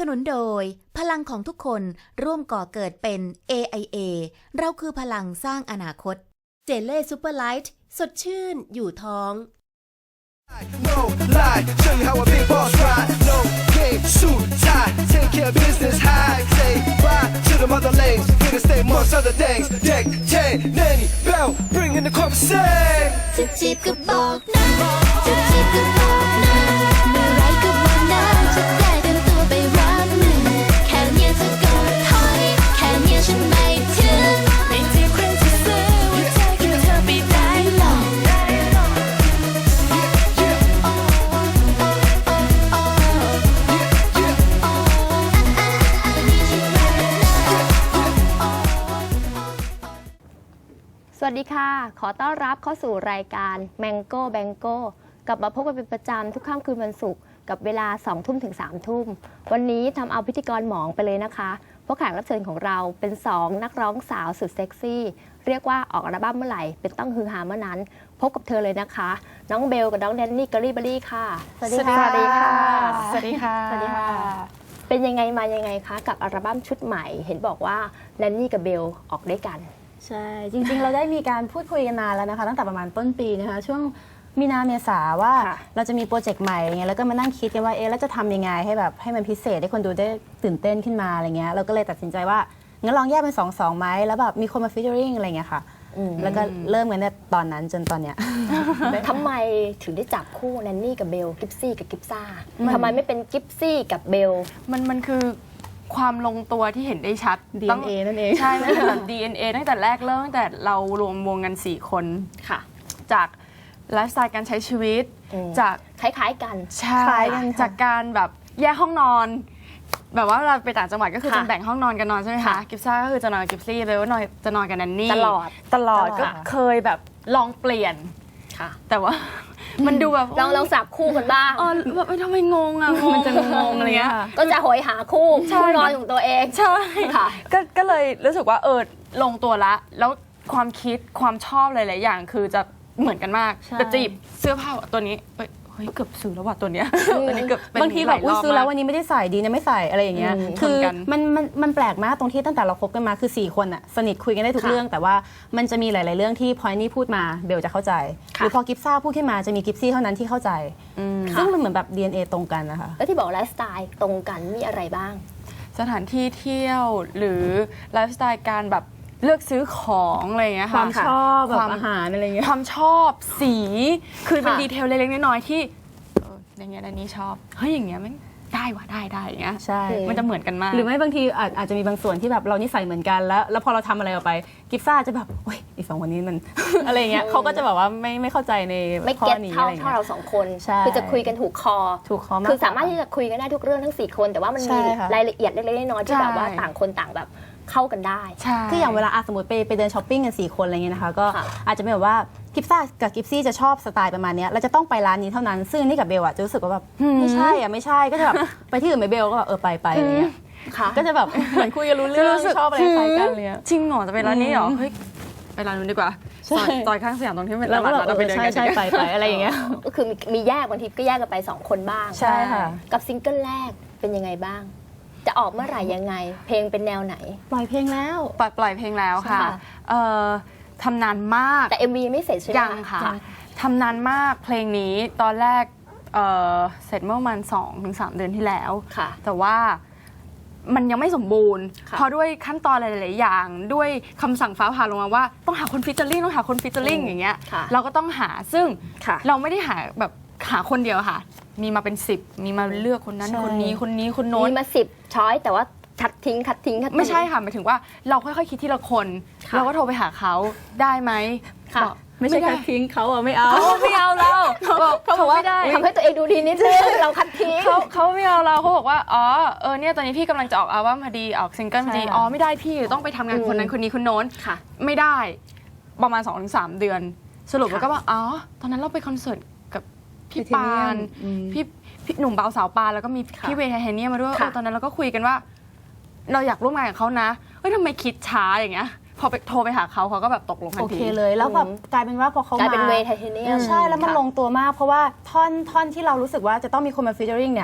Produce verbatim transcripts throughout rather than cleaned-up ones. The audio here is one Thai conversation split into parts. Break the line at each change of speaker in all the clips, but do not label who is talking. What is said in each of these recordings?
นุนโดยพลังของทุกคนร่วมก่อเกิดเป็น เอ ไอ เอ เราคือพลังสร้างอนาคตเจเล่ซูเปอร์ไลท์สดชื่นอยู่ท้อง
No lie, show you how a big boss ride. No game, suit, tie, take care of business high. Say bye to the mother lanes, finna stay amongst other things. Deck, chain, nanny, bell, bring in the conversation.
จะจีบก็บอกนะจะจีบก็บอกนะเมื่อไรก็บอกนะจะได้เตรียมตัวไปรับมือแค่เนี้ยเธอก็ถอยแค่เนี้ยฉันไม่ถึงไม่จีบใครจะซื้อว่าใจกับเธอไม่ได้หรอก
สวัสดีค่ะ ขอต้อนรับเข้าสู่รายการ Mango Bango กลับมาพบกันเป็นประจำทุกค่ำคืนวันศุกร์กับเวลาสองทุ่มถึงสามทุ่มวันนี้ทำเอาพิธีกรหมองไปเลยนะคะเพราะแขกรับเชิญของเราเป็นสองนักร้องสาวสุดเซ็กซี่เรียกว่าออกอัลบั้มเมื่อไหร่เป็นต้องฮือฮาเมื่อนั้นพบกับเธอเลยนะคะน้องเบลกับน้องแดนนี่กอรี่เบอรี่ค่ะสวัสดีค่ะ
สวัสดีค่ะ สวัสดีค่ะ
สวัสดีค่ะ เป็นยังไงมายังไงคะกับอัลบั้มชุดใหม่เห็นบอกว่าแดนนี่กับเบลออกด้วยกัน
ใช่ จริงๆ เราได้มีการพูดคุยกันนานแล้วนะคะ ตั้งแต่ประมาณต้นปีนะคะ ช่วงมีนาเมษาว่า
ค่ะ
เราจะมีโปรเจกต์ใหม่อย่างเงี้ยแล้วก็มานั่งคิดกันว่าเอ๊ะแล้วจะทำยังไงให้แบบให้มันพิเศษให้คนดูได้ตื่นเต้นขึ้นมาอะไรเงี้ยเราก็เลยตัดสินใจว่างั้นลองแยกเป็นสองสองไหมแล้วแบบมีคนมาฟีเจอริงอะไรเงี้ยค่ะแล้วก็เริ่มกันในตอนนั้นจนตอนเนี้ย
ทำไมถึงได้จับคู่แนนนี่กับเบลกิฟซี่กับกิฟซ่าทำไมไม่เป็นกิฟซี่กับเบล
มันมันคือความลงตัวที่เห็นได้ชัด
ดี เอ็น เอ นั่นเอง
ใช่มันคือแบบ ดี เอ็น เอ ตั้งแต่แรกเริ่มตั้งแต่เรารวมวงกันสี่คน
ค่ะ
จากไลฟ์สไตล์การใช้ชีวิต
อืม
จาก
คล้ายๆกัน
ใช่
คล้ายกันค่ะ
จากการแบบแยกห้องนอน แบบว่าเราไปต่างจังหวัดก็คือ
ค่ะ
จะแบ่งห้องนอนกันนอนใช่ไหมคะ
ค่ะ
กิฟซ่าก็คือจะนอนกับกิฟซี่เบลก็นอนจะนอนกับแนนนี่
ตลอด
ตลอด
ตลอด
ก็เคยแบบลองเปลี่ยน
ค่ะ
แต่ว่า มันดูแบบ
ลองลองสับคู่กันบ้าง
เออแบบเอ้ยทำไมงงอะงง
มันจะงงๆ
อะไรเงี้ย
ค่ะ
ก็จะโหยหาคู่คู่นอนของตัวเอง
ใช่
ค่ะ
ก็ก็เลยรู้สึกว่าเออลงตัวละ แล้วความคิดความชอบหลายๆอย่างคือจะเหมือนกันมาก
ใช่
แต่จีบเสื้อผ้าตัวนี้เอ้ยเฮ้ยเกือบซื้อแล้วว่ะตัวเนี้ยตัวนี้เกือบเป็น
บางทีแบบอุ๊ยซื้อแล้ว
ห
วั
ลายรบมาก
นนี้ไม่ได้ใส่ดีนะไม่ใส่อะไรอย่างเงี้ย
อืม
คือ
เหมือนกัน
มันมันมันแปลกมากตรงที่ตั้งแต่เราคบกันมาคือสี่คนอะสนิทคุยกันได้ทุก
ค่ะ
เรื่อง แต่ว่ามันจะมีหลาย ๆ เรื่องที่พอยนี่พูดมาเบลจะเข้าใจห
ค่ะ
รือพอกิฟซ่าพูดขึ้นมาจะมีกิฟซี่เท่านั้นที่เข้าใจ
อืม
ซึ่งมันเหมือนแบบ ดี เอ็น เอ ตรงกันนะคะ
แล้วที่บอกไลฟ์สไตล์ตรงกันมีอะไรบ้าง
สถานที่เที่ยวหรือไลฟ์สไตล์การแบบเลือกซื้อของอะไรอย่างเงี้ย
ค
ค่ะ
วามชอบแบ
ควา
บ
ม
อาหารอะไรเงี้ย
ความชอบสีคือเป็น
ค่ะ
ดีเทลเล็กๆน้อยๆที่เอออย่างเงี้ยอันนี้ชอบเฮ้ยอย่างเงี้ยมันได้ว่ะได้ได้อย่างเงี้ย
ใช่
มันจะเหมือนกันมาก
หรือไม่บางทีอาจอาจจะมีบางส่วนที่แบบเรานิสัยเหมือนกันแล้ว แล้วพอเราทำอะไรออกไปกิฟซ่าจะแบบโอ้ยอีสองคนนี้มัน อะไรเงี้ยเขาก็จะแบบว่าไม่ไม่เข้าใจใน
ไม่
ข้อ
เก็ต
นี้
เท่า
อะไร
เท่า
เงี้ย
เราสองคน
ใช่
คือจะคุยกันถูกคอ
ถูกคอมาก
คือสามารถที่จะคุยกันได้ทุกเรื่องทั้งสี่คนแต่ว่ามัน
ใช่
มี
ค่ะ
รายละเอียดเล็กๆน้อยๆที่
ใช่
แบบว่าต่างคนต่างแบบเข้ากันได้
ใช่
คืออย่างเวลาอ่ะสมมติไปไปเดินช้อปปิ้งกันสี่คนอะไรเงี้ยนะคะก็
ค่ะ
อาจจะเป็นแบบว่ากิฟซ่ากับกิฟซี่จะชอบสไตล์ประมาณเนี้ยเราจะต้องไปร้านนี้เท่านั้นซึ่งนี่กับเบลอะจะรู้สึกว่าแบบไม่ใช่อะไม่ใช่ก็จะแบบ ไปที่อื่นไปเบลก็แบบเออไปไปอะไรเงี้ย
ค่ะ
ก็จะแบบเหมือนคุยกันรู้เรื่องชอบอะไรคล้ายกันเลยอะ
จริงเหรอจะไปร้านนี้เหรอเฮ้ยไปร้านนู้นดีกว่า
ใช่
ซอยซอยข้างสยามตรงที่เป็นต
เราก็
ลาด
แบบ
เราไปเดิน
ใช่
กัน
ใช่ไปไปอะไรอย่างเงี้ย
ก็คือมีมีแยกบางทีก็แยกกันไปสองคนบ้าง
ใช่ค่ะ
กับซิงเกิลแรกเป็นยังไงบ้าง จะออกเมื่อไหร่ยังไง เพลงเป็นแนวไหน
ปล่อยเพลงแล้ว
ปล่อยปล่อยเพลงแล้วค่ะ
ใช่ค่ะ
เอ่อทำนานมาก
แต่ เอ็ม วี ยังไม่เสร็จใช่ไหม
ยังค่ะทำนานมากเพลงนี้ตอนแรกเอ่อเสร็จเมื่อประมาณสองถึงสามเดือนที่แล้ว
ค่ะ
แต่ว่ามันยังไม่สมบูรณ์
ค่ะ
เพราะด้วยขั้นตอนหลาย ๆ อย่าง ด้วยคำสั่งฟ้าผ่าลงมาว่าต้องหาคนฟิชเจอริ่งต้องหาคนฟิชเจอริ่งอย่างเงี้ย
ค่ะ
เราก็ต้องหาซึ่ง
ค่ะ
เราไม่ได้หาแบบหาคนเดียวค่ะ มีมาเป็นสิบมีมาเลือกคนนั้น
ใช่
คนนี้คนนี้คนโน้น
มีมาสิบช้อยแต่ว่าคัดทิ้งคัดทิ้งคัดทิ้ง
ไม่ใช่ค่ะหมายถึงว่าเราค่อยๆคิดทีละคน
ค่ะ
เราก็โทรไปหาเขาได้ไหม
ค่ะ
บอก
ไม่ใช่
ด้
แค่ทิ้งเขาอะไม่เอา
เขาไม่เอาเราบอกเขาบอกไม่ได้
ทำให้ตัวเองดูดีนิดนึงเราคัดทิ้ง
เขาเขาไม่เอาเราเขาบอกว่าอ๋อเออเนี่ยตอนนี้พี่กำลังจะออกอัลบั้มพอดีออกซิงเกิลพอดี
ใช่ค่ะ
อ๋อไม่ได้พี่ต้องไปทำงานคนนั้นคนนี้คนโน้น
ค่ะ
ไม่ได้ประมาณ สองถึงสาม เดือน สรุปแล้ว
ค่ะ
ก็ว่าอ๋อตอนนั้นเราไปคอนเสิร์ตกับพี่
พี่
ปาน
อืม
พี่พี่หนุ่มเบาสาวปานแล้วก็มี
ค่ะ
พี่เวย์ไทเทเนียมมาด้วย
ค่ะ
เออตอนนั้นเราก็คุยกันว่า เราอยากร่วมงานกับเขานะเฮ้ยทำไมคิดช้าอย่างเงี้ยพอไปโทรไปหาเขาเขาก็แบบตกลงทั
โอน
ที
เคเลยแล้วแบบกลายเป็นว่าพอเขา
กลาย
มา
เป็นเวย์ไทเทเนียม
ใช่แล้วมันลงตัวมากเพราะว่าท่อนท่อนที่เรารู้สึกว่าจะต้องมีคนมาฟีเจอริงเนี่ย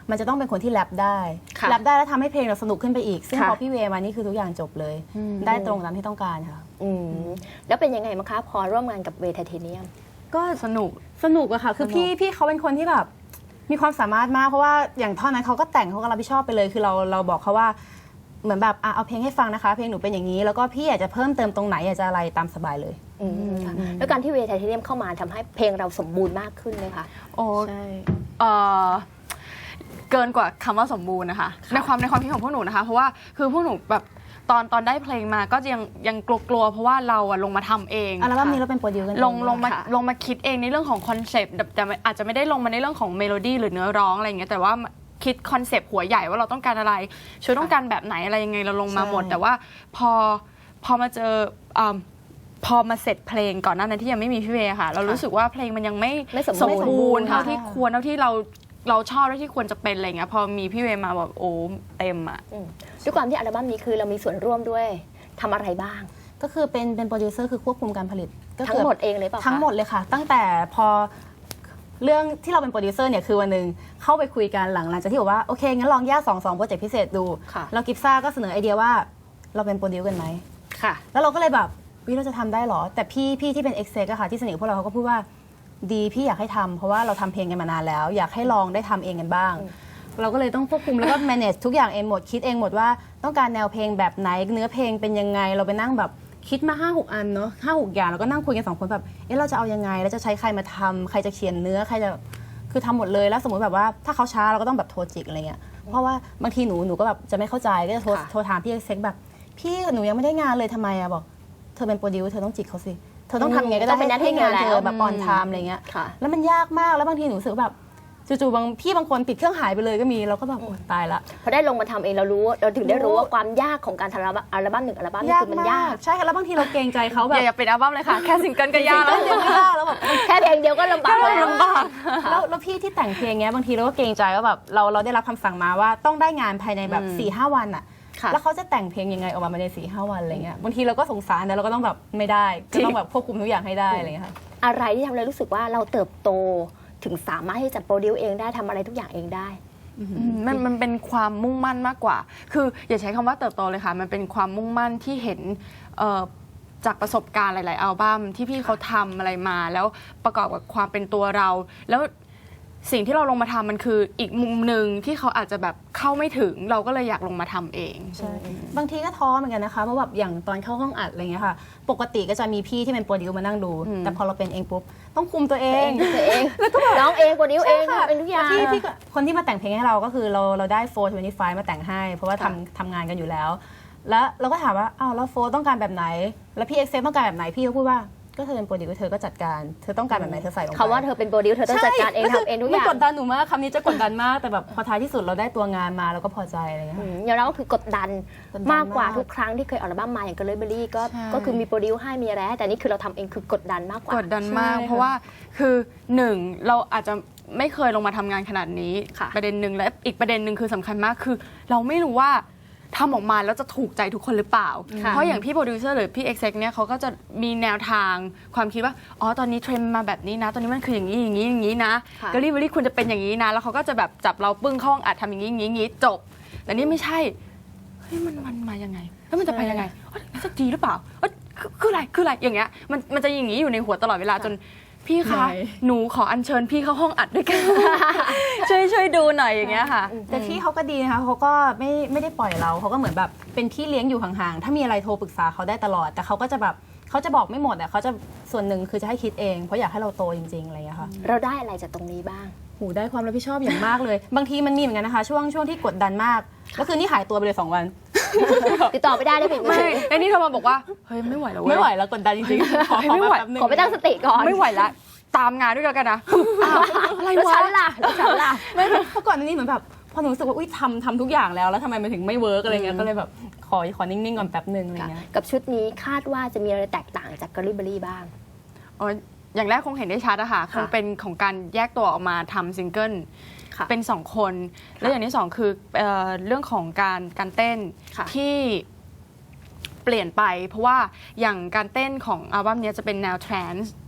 มันจะต้องเป็นคนที่แรปได้
ค่ะ
แรปได้แล้วทำให้เพลงเราสนุกขึ้นไปอีกซึ่ง
ค่ะ
พอพี่เวมานี่คือทุกอย่างจบเลย ได้ตรงตามที่ต้องการค่ะ
อืมแล้วเป็นยังไงบ้างคะพอร่วมงานกับเวทไทเทเนียม
ก็
สนุก
สนุกอะค่ะ คือพี่พี่เขาเป็นคนที่แบบมีความสามารถมากเพราะว่าอย่างท่อนนั้นเขาก็แต่งเขาก็รับผิดชอบไปเลย คือเราเราบอกเขาว่าเหมือนแบบอ่ะเอาเพลงให้ฟังนะคะ เพลงหนูเป็นอย่างนี้ แล้วก็พี่อยากจะเพิ่มเติมตรงไหนอยากจะอะไรตามสบายเลย
อืมค่ะแล้วการที่เวทไทเทเนียมเข้ามาทำให้เพลงเราสมบูรณ์มากขึ้นเลยค่ะ
โอ้
ใช่
เอ่อเกินกว่าคำว่าสมบูรณ์นะคะในความในความคิดของพวกหนูนะคะ เพราะว่าคือพวกหนูแบบตอนตอนได้เพลงมาก็ยังยังกลัวๆเพราะว่าเราอะลงมาทำเอง
อัลบั้มนี้เราเป็นโปรดิวกันเอ
ลงลงมา
ค่ะ
ลงมาคิดเองในเรื่องของคอนเซปต์แต่แต่อาจจะไม่ได้ลงมาในเรื่องของเมโลดี้หรือเนื้อร้องอะไรอย่างเงี้ยแต่ว่าคิดคอนเซปต์หัวใหญ่ว่าเราต้องการอะไรช่วยต้องการแบบไหนอะไรยังไงเราลงมาหมด แต่ว่าพอพอมาเจออ่าพอมาเสร็จเพลงก่อนหน้านั้นที่ยังไม่มีพี่เวย์ค่ะ เรารู้สึกว่าเพลงมันยังไม่
ไม่สม
ส
บู
ม
รณ์
บูรณ์เท่า
ค่ะ
ที่ควรเท่าที่เราเราชอบเท่าที่ควรจะเป็นอะไรเงี้ยพอมีพี่เวย์มาแบบโอ้เต็มอ่ะ
อืมด้วยความที่อัลบั้มนี้คือเรามีส่วนร่วมด้วยทำอะไรบ้าง
ก็คือเป็นเป็นโปรดิวเซอร์คือควบคุมการผลิตก็คือ
ทั้งหมดเองเลยเปล่าคะ
ทั้งหมดเลยค่ะ ตั้งแต่พอเรื่องที่เราเป็นโปรดิวเซอร์เนี่ยคือวันหนึ่งเข้าไปคุยกันหลังหลังจากที่บอกว่าโอเคงั้นลองแยกสองสองโปรเจกต์พิเศษดู
ค่ะ
เรากิฟซ่าก็เสนอไอเดียว่าเราเป็นโปรดิวกันไหม
ค่ะ
แล้วเราก็เลยแบบวิเราจะทำได้เหรอ แต่พี่พี่ที่เป็นเอ็กเซกอะค่ะที่สนิทกับพวกเราเขาก็พูดว่าดีพี่อยากให้ทำเพราะว่าเราทำเพลงกันมานานแล้ว อยากให้ลองได้ทำเองกันบ้าง เราก็เลยต้องควบคุมแล้วก็ manage ทุกอย่างเองหมดคิดเองหมดว่าต้องการแนวเพลงแบบไหนเนื้อเพลงเป็นยังไงเราไปนั่งแบบคิดมาห้าหกอันเนาะห้าหกอย่างแล้วก็นั่งคุยกันสองคนแบบเอ๊ะเราจะเอายังไงแล้วจะใช้ใครมาทำใครจะเขียนเนื้อใครจะคือทำหมดเลยแล้วสมมติแบบว่าถ้าเขาช้าเราก็ต้องแบบโทรจิกอะไรเงี้ยเพราะว่าบางทีหนูหนูก็แบบจะไม่เข้าใจก็จะโทร
ค่ะ
โทรถามพี่เอ็กเซกแบบพี่หนูยังไม่ได้งานเลยทำไมอะบอกเธอเป็นโปรดิวเธอต้องจิกเขาสิเธอต้องทำยังไงก็
ต้
ได้
องเป็นหน้าที่
ให้งาน
เธอ
เธ
แล้ว
อแบบออนไทม์อะไรเงี้ย
ค่ะ
แล้วมันยากมากแล้วบางทีหนูรู้สึกว่าแบบจู่ๆบางพี่บางคนปิดเครื่องหายไปเลยก็มีเราก็แบบโอ๊ยตายละ
พอได้ลงมาทำเองเรารู้เราถึงได้รู้ว่าความยากของการทำอัลบั้มหนึ่งอัลบั้มนี่คือมันยาก
ใช่ค่ะแล้วบางทีเราเกรงใจเขา
อ
แบบ
ย่าอย่าเป็นอัลบั้มเลยค่ะ แค่ซิงเกิลก็ยาก
แล้
แล้ว ว
เดียวก็ยากแล้วแบบ
แค่เพลงเดียวก็ลำบากแล้ว
ลำบาก
แล้วแล้วพี่ที่แต่งเพลงเงี้ยบางทีเราก็เกรงใจว่าแบบเราเราได้รับคำสั่งมาว่าต้องได้งานภายในแบบสี่ห้าวันอะ
ค่ะ
แล้วเขาจะแต่งเพลงยังไงออกมาภายในสี่ห้าวันอะไรเงี้ยบางทีเราก็สงสารแต่เราก็ต้องแบบไม่ได้ก็ต้องแบบควบคุมทุกอย่างให้ได้อะไรเงี้ยค่ะ
อะไรที่ทำให้เรารู้สึกว่าเราเติบโตถึงสามารถที่จะโปรดิวเองได้ทำอะไรทุกอย่างเองได้
อืมมันมันเป็นความมุ่งมั่นมากกว่า คืออย่าใช้คำว่าเติบโตเลยค่ะ มันเป็นความมุ่งมั่นที่เห็นเอ่อจากประสบการณ์หลาย ๆ อัลบั้มที่พี่เขาทำอะไรมา แล้วประกอบกับความเป็นตัวเรา แล้วสิ่งที่เราลงมาทำมันคืออีกมุมหนึ่งที่เขาอาจจะแบบเข้าไม่ถึง เราก็เลยอยากลงมาทำเอง
ใช่บางทีก็ท้อเหมือนกันนะคะเพราะแบบอย่างตอนเข้าห้องอัดอะไรเงี้ยค่ะปกติก็จะมีพี่ที่เป็นโปรดิวมานั่งดู แต่พอเราเป็นเองปุ๊บต้องคุมตัวเอ
เอง งตัวเองร้องเองโปรดิวเอง
ใช่ค่ะ
เป็นทุกอย่าง
ที่ที่คนที่มาแต่งเพลงให้เราก็คือเราเราได้โฟร์ทเวนตี้ไฟมาแต่งให้ เพราะว่าทำทำงานกันอยู่แล้ว แล้วเราก็ถามว่าอ้าวแล้วโฟร์ต้องการแบบไหน แล้วพี่เอ็กเซต้องการแบบไหนพี่ก็พูดว่าก็เธอเป็นโปรดิวเธอก็จัดการเธอต้องการแบบไหนเธอใส่ลงไป
คำว่าเธอเป็นโปรดิวเธอต้องจัดการเอง
ใช่
ทำเองทุกอ
มัน
ย่าง
กดดันหนูมากคำนี้จะกดดันมากแต่แบบพอท้ายที่สุดเราได้ตัวงานมาเราก็พอใจอะไรเงี้ย
อืมอย่างเราก็คือกดดัน
กดดัน
มากกว่าม
าก
ทุกครั้งที่เคยออกอัลบั้มมาอย่างเกลเลอร์เบอรี่ก็
ใช่
ก็คือมีโปรดิวให้มีอะไรให้แต่นี่คือเราทำเองคือกดดันมากกว่าก
ดดันมาก
ใช่
เพราะว่าคือหนึ่งเราอาจจะไม่เคยลงมาทำงานขนาดนี้
ค่ะ
ประเด็นหนึ่งและอีกประเด็นหนึ่งคือสำคัญมากคือ เราไม่รู้ว่าทำออกมาแล้วจะถูกใจทุกคนหรือเปล่า
ค่ะ
เพราะอย่างพี่โปรดิวเซอร์หรือพี่เอ็กเซกเนี่ยเขาก็จะมีแนวทางความคิดว่าอ๋อตอนนี้เทรนด์มาแบบนี้นะ ตอนนี้มันคืออย่างนี้อย่างนี้อย่างนี้นะ
ค่ะ
กอรี่บอรี่ควรจะเป็นอย่างนี้นะ แล้วเขาก็จะแบบจับเราปึ้งเข้าห้องอัดทำอย่างนี้อย่างนี้อย่างนี้จบ แต่นี่ไม่ใช่เฮ้ยมันมันมายังไงแล้วมันจะไปยังไงเอ้ยจะดีหรือเปล่าเอ้ยคือคืออะไรคืออะไรอย่างเงี้ยมันมันจะอย่างนี้อยู่ในหัวตลอดเวลาจนพี่คะ
เหนื่อย
หนูขออัญเชิญพี่เข้าห้องอัดด้วยกัน ช่วยช่วยดูหน่อยอย่างเงี้ยค่ะ
แต่พี่เขาก็ดีนะคะเขาก็ไม่ไม่ได้ปล่อยเราเขาก็เหมือนแบบเป็นพี่เลี้ยงอยู่ห่างๆถ้ามีอะไรโทรปรึกษาเขาได้ตลอด แต่เขาก็จะแบบเขาจะบอกไม่หมดอ่ะเขาจะส่วนหนึ่งคือจะให้คิดเองเพราะอยากให้เราโตจริงๆอะไรอย่างเงี้ยค่ะ
เราได้อะไรจากตรงนี้บ้าง
หูได้ความรับผิดชอบอย่างมากเลย บางทีมันมีเหมือนกันนะคะ ช่วงช่วงที่กดดันมากแล้วคือนี่หายตัวไปเลยสองวัน
ติดต่อไม่ได้เลยผิด
ไม่ไอ้นี่โทรมาบอกว่าเฮ้ยไม่ไหวแล้วเว้ย
ไม่ไหวแล้วกดดันจริงๆขอขอ
ไม่ไหว
แป๊บนึง
ขอไปตั้งสติก่อน
ไม่ไหวละตามงานด้วยกันนะอ้าวอะไร
แล้ว
วะ
ฉันล่ะแล้วฉันล่ะ
ไม่เพราะก่อนหน้านี้เหมือนแบบพอหนูรู้สึกว่าอุ้ยทำทำทุกอย่างแล้วแล้วทำไมมันถึงไม่เวิร์กอะไรเงี้ยก็เลยแบบขอขอนิ่งๆก่อนแป๊บนึงอะไรเงี้ย
กับชุดนี้คาดว่าจะมีอะไรแตกต่างจากกอรี่เบอรี่บ้าง
อ๋ออย่างแรกคงเห็นได้ชัดอะค่ะค
ค่ะ
งเป็นของการแยกตัวออกมาทำซิงเกิล
ค่ะ
เป็นสองคน แล้วอย่างที่สองคือเอ่อเรื่องของการการเต้น
ค่ะ
ที่เปลี่ยนไป เพราะว่าอย่างการเต้นของอัลบั้มเนี้ยจะเป็นแนวทรานส์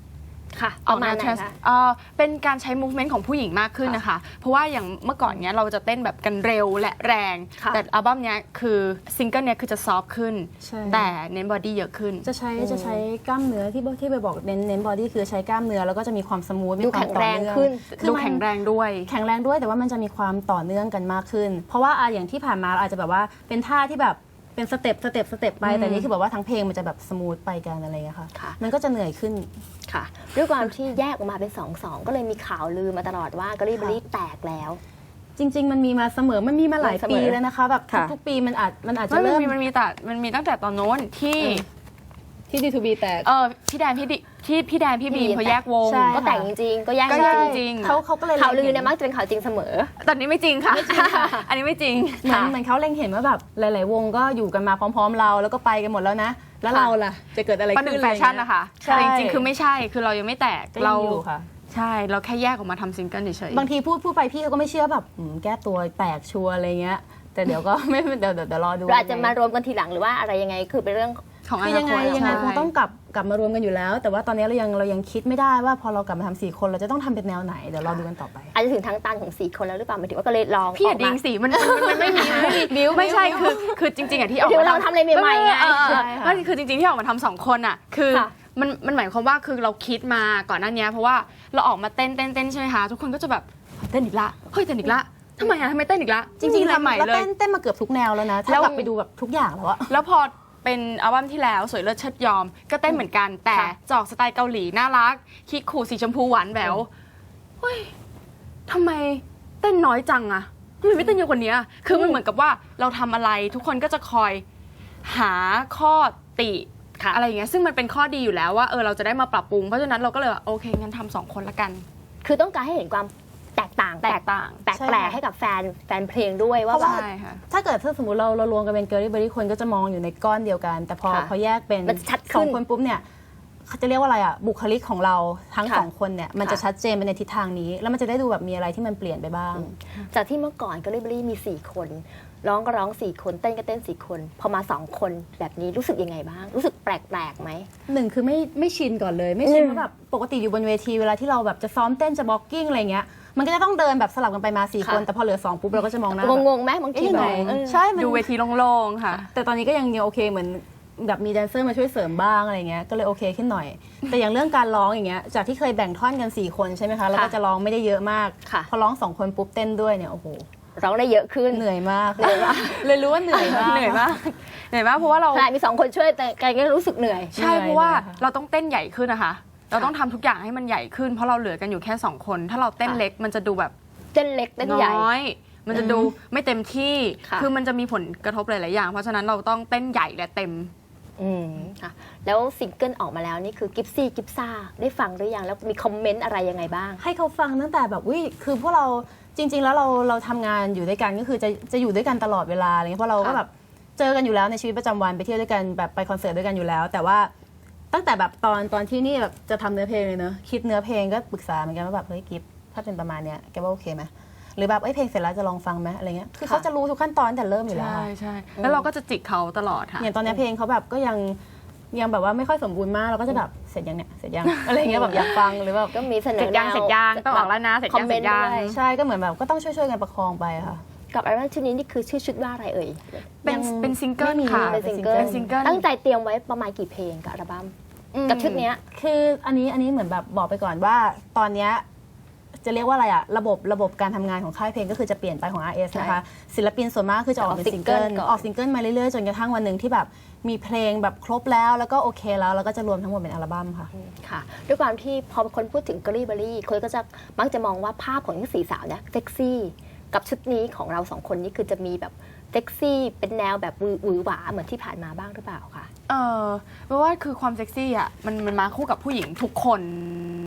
ค่ะ
ออกแนว
ประมาณไหน
trans
คะ
เอ่อเป็นการใช้ movement ของผู้หญิงมากขึ้นนะคะ เพราะว่าอย่างเมื่อก่อนเนี้ยเราจะเต้นแบบกันเร็วและแรง
ค่ะ
แต่อัลบั้มเนี้ยคือซิงเกิลเนี้ยคือจะซอฟขึ้น
ใช่
แต่เน้นบอดี้เยอะขึ้น
จะใช้จะใช้กล้ามเนื้อที่ที่ไปบอกเน้นเน้นบอดี้คือใช้กล้ามเนื้อแล้วก็จะมีความสมูทมี
ดู
ความ
แข็ง
ต่อ
แรง
เนื่อง
ขึ้น
คือ
ดู
มัน
แข็งแรงด้วย
แข็งแรงด้วยแต่ว่ามันจะมีความต่อเนื่องกันมากขึ้น เพราะว่าอ่ะอย่างที่ผ่านมาเราอาจจะแบบว่าเป็นท่าที่แบบเป็นสเต็ปสเต็ปสเต็ปไปแต่นี่คือแบบว่าทั้งเพลงมันจะแบบสมูทไปกันอะไรอย่างเงี้ยค่ะ
ค่ะ
มันก็จะเหนื่อยขึ้น
ค่ะ ด้วยความที่แยกออกมาเป็นสองสองก็เลยมีข่าวลือมาตลอดว่ากอรี่เบอรี่แตกแล้ว
จริง ๆ มันมีมาเสมอมันมีมาหลาย
เสม
ปี
อ
แล้วนะคะแบบ
ค่ะ
ทุกๆปีมันอาจมันอาจจะ
ไม่มัน
เริ่ม
มีมันมีแต่มันมีตั้งแต่ตอนโน้นที่
ที่ ดี ทู บี แตก
เออพี่แดนพี่ดิที่พี่แดนพี่บีมเขาแยกวง
ใช่
ก็แต่งจริงๆ ก็แยก
ก็
จ
แยก
ริง
จริง
เขาเขาก็เลย
ข่าวลือ
ห็
เนี่ยมักจะเป็นข่าวจริงเสมอ
ตอนนี้ไม่จริงค่ะ อันนี้ไม่จริง
เหมือนเหมือนเขาเล็งเห็นว่าแบบหลาย ๆ วงก็อยู่กันมาพร้อม ๆ เราแล้วก็ไปกันหมดแล้วนะ แล้วเราล่ะจะเกิดอะไร
ประห
ขึ้
นึ่
น
งแฟชั่นนะคะ
ใช่
แต่จริงๆ คือไม่ใช่ คือเรายังไม่แตก
ก็
เรา
ยังอยู่ค่ะ
ใช่ เราแค่แยกออกมาทำซิงเกิลเฉยๆ
บางทีพูดพูดไปพี่เขาก็ไม่เชื่อแบบอืมแก้ตัวแตกชัวร์อะไรเงี้ย แต่เดี๋ยวก็ ไม่เดี๋ยวเดี๋ยวเดี๋ยวรอดู
เราอาจจะมารวมกันทีหลังหรือว่าอะไรยังไงคือเป็นเรื่อง
ของอ
คือ
นา
ยัง
ค
ไง
ต
ยังไง
ใช่
คงต้องกลับกลับมารวมกันอยู่แล้ว แต่ว่าตอนนี้เรายังเรายังคิดไม่ได้ว่าพอเรากลับมาทำสี่คนเราจะต้องทำเป็นแนวไหนเดี๋ยวรอดูกันต่อไป
อาจจะถึงทางตันของสี่คนแล้วหรือเปล่าหมายถึงว่าก็เลยลอง
พี่อย่า
ออก
ดิ
มาง
สิมันมันมันไม่มีมันไม่มีบิวไม่ใช่คือคือจริงๆอ่ะที่ออก
เดี๋ยว
มา
เราทำอะไรใหม่ๆไง
เออเออ
ใช่ค่ะ
ไม่คือจริงๆที่ออกมาทำสองคนอ่ะคือ
ค่ะ
มันมันหมายความว่าคือเราคิดมาก่อนหน้านี้เพราะว่าเราออกมาเต้นเต้นเต้นใช่ไหมคะทุกคนก็จะแบบเต้นอีกละเฮ้ยเต้นอีกละทำไมอ่ะทำไมเต้นอีกละ
จริงๆ
ทำใหม่
แล้ว
เลย
เต้นเต้นมาเกือบทุกแนวแล้วนะ
แล้
ถ้าว กลับไปดูแบบทุกอย่างแล้วอะ
แล้วพอเป็นอัลบั้มที่แล้วสวยเลิศเชิดยอมก็เต้นเหมือนกัน แต่
ค่ะ
จะออกสไตล์เกาหลีน่ารักคิกคูสีชมพูหวานแหววเฮ้ยทำไมเต้นน้อยจังอะทำไมไม่เต้นเยอะกว่านี้อะคือมันเหมือนกับว่าเราทำอะไรทุกคนก็จะคอยหาข้อติ
ค่ะ
อะไรอย่างเงี้ยซึ่งมันเป็นข้อดีอยู่แล้วว่าเออเราจะได้มาปรับปรุงเพราะฉะนั้นเราก็เลยว่าโอเคงั้นทำสองคนละกัน
คือต้องการให้เห็นความแตกต่าง
แตกต่าง
แปลก
ใช่
แปลก
ค่ะ
ให้กับแฟนแฟนเพลงด้วยว่า
เพราะว่า
ใช่ค่ะ
ถ้าเกิดถ้าสมมติเราเรารวมกันเป็นเกอร์รี่เบอรี่คนก็จะมองอยู่ในก้อนเดียวกัน แต่พอ
ค่ะ
พอแยกเป็น
มันจะชัดขึ้น
สองคนปุ๊บเนี่ยเขาจะเรียกว่าอะไรอ่ะบุคลิกของเราทั้ง
ค่ะ
สองคนเนี่ยมันจะ
ค่ะ
ชัดเจนไปในทิศทางนี้ แล้วมันจะได้ดูแบบมีอะไรที่มันเปลี่ยนไปบ้าง
จากที่เมื่อก่อนก็เรเบอรี่มีสี่คน ร้องก็ร้องสี่คนเต้นก็เต้นสี่คน พอมาสองคนแบบนี้รู้สึกยังไงบ้าง รู้สึกแปลกๆไหม
หนึ่งคือไม่ไม่ชินก่อนเลย ไม่ชิน
อืม
ว่าแบบปกติอยู่บนเวทีเวลาที่เราแบบจะซ้อมเต้นจะบล็อกกิ้งอะไรเงี้ยมันก็จะต้องเดินแบบสลับกันไปมาสี่
ค่ะ
คนแต่พอเหลือสองปุ๊บเราก็จะมองหน้าแบบ
งงๆไหมบางที
เอ๊ะ
แบ
ไหน
บเออ
ใช่มัน
ดูเวทีโล่งๆค่ะ
แต่ตอนนี้ก็ยังยังโอเคเหมือนแบบมีแดนเซอร์มาช่วยเสริมบ้างอะไรเงี้ยก็เลยโอเคขึ้นหน่อย แต่อย่างเรื่องการร้องอย่างเงี้ยจากที่เคยแบ่งท่อนกันสี่คนใช่ไหมคะแล้วก็จะร้องไม่ได้เยอะมาก
ค่ะ
พอร้องสองคนปุ๊บเต้นด้วยเนี่ยโอ้โห
ร้องได้เยอะขึ้น
เหนื่อยมากเหนื่อยมากเลยรู้ว่าเหนื่อยมาก
เหนื่อยมากเหนื่อยมากเพราะว่าเรา
ขนาดมีสองคนช่วยแต่แกก็รู้สึกเหนื่อย
ใช่
เหนื่อย
เพราะว่า
เลยค่ะ
เราต้องเต้นใหญ่ขึ้นนะคะ เราต้องทำทุกอย่างให้มันใหญ่ขึ้น เพราะเราเหลือกันอยู่แค่สองคน ถ้าเราเต้น
ค่ะ
เล็กมันจะดูแบบ
เต้นเล็กเต้นใหญ่
น้อย มันจะดูไม่เต็มที่
ค่ะ
คือมันจะมีผลกระทบหลาย ๆ อย่าง เพราะฉะนั้นเราต้องเต้นใหญ่และเต็ม
อืมค่ะแล้วซิงเกิลออกมาแล้วนี่คือกิฟซี่กิฟซ่าได้ฟังหรือยังแล้วมีคอมเมนต์อะไรยังไงบ้าง
ให้เขาฟังตั้งแต่แบบอุ้ยคือพวกเราจริง ๆ แล้วเราเราทำงานอยู่ด้วยกันก็คือจะจะอยู่ด้วยกันตลอดเวลาอะไรเงี้ยเพราะเราก็
ค่ะ
แบบเจอกันอยู่แล้วในชีวิตประจำวันไปเที่ยวด้วยกันแบบไปคอนเสิร์ตด้วยกันอยู่แล้ว แต่ว่าตั้งแต่แบบตอนตอนที่นี่แบบจะทำเนื้อเพลงเลยเนอะคิดเนื้อเพลงก็ปรึกษาเหมือนกันว่าแบบเฮ้ยกิฟถ้าเป็นประมาณเนี้ยแกว่าโอเคไหมหรือแบบเอ้ยเพลงเสร็จแล้วจะลองฟังไหมอะไรเงี้ยคือเขาจะรู้ทุกขั้นตอนแต่เริ่มอยู่แล้ว
ใช่
อะ
ใช่แล้วเราก็จะจิกเขาตลอดค่ะ
อย่างตอนเนี้ยเพลงเขาแบบก็ยังยังแบบว่าไม่ค่อยสมบูรณ์มากเราก็จะแบบเสร็จยังเนี่ยเสร็จยัง อะไรเงี้ยแบบอยากฟังหรือแบบ
ก็มีเสน
เสร็
อ
จยัง
แนว
เสร็จยังต้องออกแล้วนะเสร็จยัง
คอมเมนต์
เสร็จยัง
ด้วย
ใช่ก็เหมือนแบบก็ต้องช่วยๆกันประคองไปค่ะ
กับอัลบั้มชุดนี้นี่คือชื่อชุดว่าอะไรเอ่ย
เป็น
ยัง
เป็นซิงเกิล
ไม่มี
ค่ะ
เป็นซิงเกิล
เป็นซิงเกิล
ตั้งใจเตรียมไว้ประมาณกี่เพลงกับอัลบั้มกับชุดเนี้ย
คืออันนี้อันนี้เหมือนแบบบอกไปก่อนว่าตอนเนี้ยจะเรียกว่าอะไรอะระบบระบบการทำงานของค่ายเพลงก็คือจะเปลี่ยนไปของ อาร์ เอส นะคะศิลปินส่วนมากคือจะออกเป็น
ออกซิ
ซิ
ง
ง
เกิ
เกิ
ล
ล
ก่อน
ออกซิงเกิลมาเรื่อยๆจนกระทั่งวันหนึ่งที่แบบมีเพลงแบบครบแล้วแล้วก็โอเคแล้วแล้วก็จะรวมทั้งหมดเป็นอัลบั้มค่ะ
ค่ะด้วยความที่พอคนพูดถึงกอรี่เบอรี่คนก็จะมักจะมองว่าภาพของทั้งสี่สาวเนี่ยเซ็กซี่กับชุดนี้ของเราสองคนนี่คือจะมีแบบเซ็กซี่เป็นแนวแบบวือหวือหวาเหมือนที่ผ่านมาบ้างหรือเปล่าคะ
เออเพราะว่าคือความเซ็กซี่อ่ะมันมันมาคู่กับผู้หญิงทุกคน